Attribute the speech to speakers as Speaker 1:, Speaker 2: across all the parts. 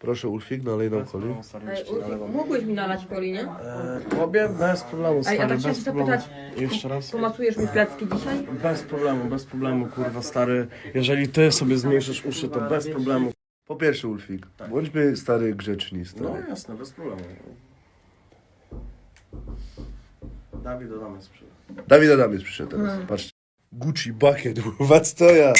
Speaker 1: Proszę Ulfik, nalej nam coli.
Speaker 2: Mógłbyś mi nalać coli, nie?
Speaker 3: Tobie bez problemu, stary,
Speaker 2: Ej, a tak chciałam
Speaker 3: bez
Speaker 2: się
Speaker 3: problemu.
Speaker 2: zapytać,
Speaker 3: Jeszcze raz?
Speaker 2: pomasujesz mi plecki dzisiaj?
Speaker 3: Bez problemu, kurwa, stary. Jeżeli ty sobie zmniejszysz uszy, to bez problemu.
Speaker 1: Po pierwsze Ulfik, bądźmy stary grzeczni,
Speaker 3: No
Speaker 1: stary.
Speaker 3: jasne, bez problemu. Dawid Adamy sprzyja.
Speaker 1: Dawid Adamiec przyszedł teraz, patrzcie. Gucci bucket, kurwa, co ja?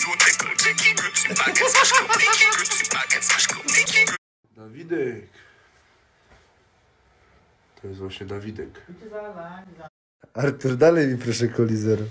Speaker 1: Dawidek. To jest właśnie Dawidek. Artur, dalej mi proszę coli zero.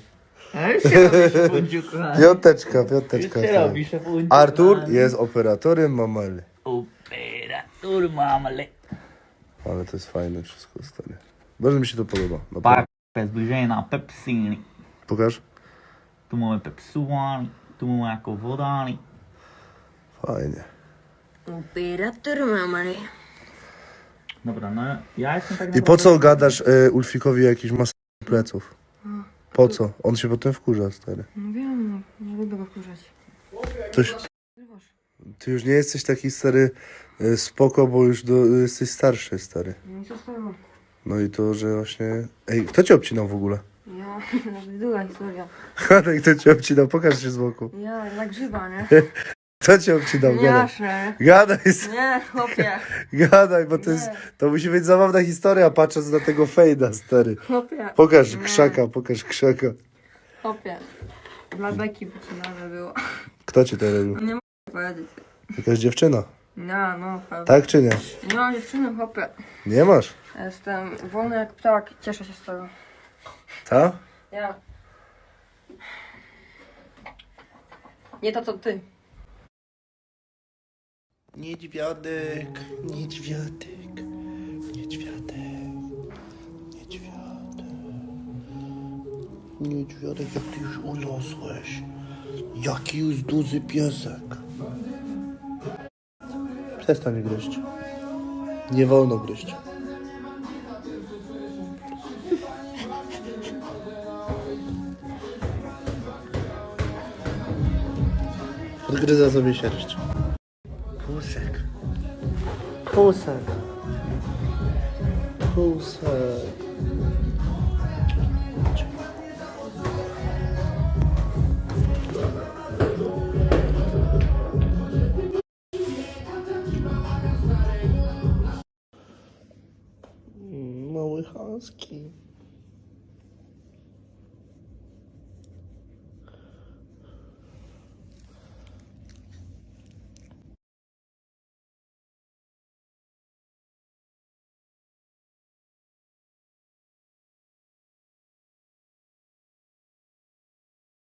Speaker 1: Piąteczka. Artur jest operatorem mamale.
Speaker 4: Operator mamale.
Speaker 1: Ale to jest fajne wszystko, stary. Bardzo mi się to podoba. Naprawdę.
Speaker 4: Zbliżenie na Pepsini.
Speaker 1: Pokaż.
Speaker 4: Tu mamy Pepsuani, tu mamy jako wodani.
Speaker 1: Fajnie.
Speaker 2: Operator mamary.
Speaker 4: Dobra, no ja jestem tak
Speaker 1: I po co gadasz Ulfikowi jakiś masę pleców? Po co? On się potem wkurza, stary.
Speaker 2: No wiem, nie lubię go wkurzać.
Speaker 1: Coś... Ty już nie jesteś taki stary spoko, bo już jesteś starszy, stary.
Speaker 2: No i co z tego?
Speaker 1: No i to, że właśnie... Ej, kto cię obcinał w ogóle?
Speaker 2: Ja, nawet długa historia.
Speaker 1: Hadek, kto cię obcinał? Pokaż się z boku.
Speaker 2: Ja, na grzyba, nie?
Speaker 1: Kto cię obcinał? Gadaj.
Speaker 2: Jasne.
Speaker 1: Gadaj,
Speaker 2: Nie, chłopie.
Speaker 1: gadaj, bo to jest... To musi być zabawna historia, patrząc na tego fejda, stary.
Speaker 2: Chłopie.
Speaker 1: Pokaż
Speaker 2: Nie.
Speaker 1: krzaka.
Speaker 2: Chłopie. Dla beki wycinane było.
Speaker 1: Kto cię to robił?
Speaker 2: Nie mogę powiedzieć.
Speaker 1: Jakaś dziewczyna?
Speaker 2: No, pewnie.
Speaker 1: Tak czy nie?
Speaker 2: Nie mam dziewczyny, chłopie.
Speaker 1: Nie masz?
Speaker 2: Jestem wolny jak ptak, cieszę się z tego.
Speaker 1: Ta?
Speaker 2: Ja. Nie to co ty.
Speaker 1: Niedźwiadek. Niedźwiadek, jak ty już urosłeś. Jaki już duży piesek. Przestań gryźć. Nie wolno gryźć. Odgryza sobie sierść. Pusek. Mały husky.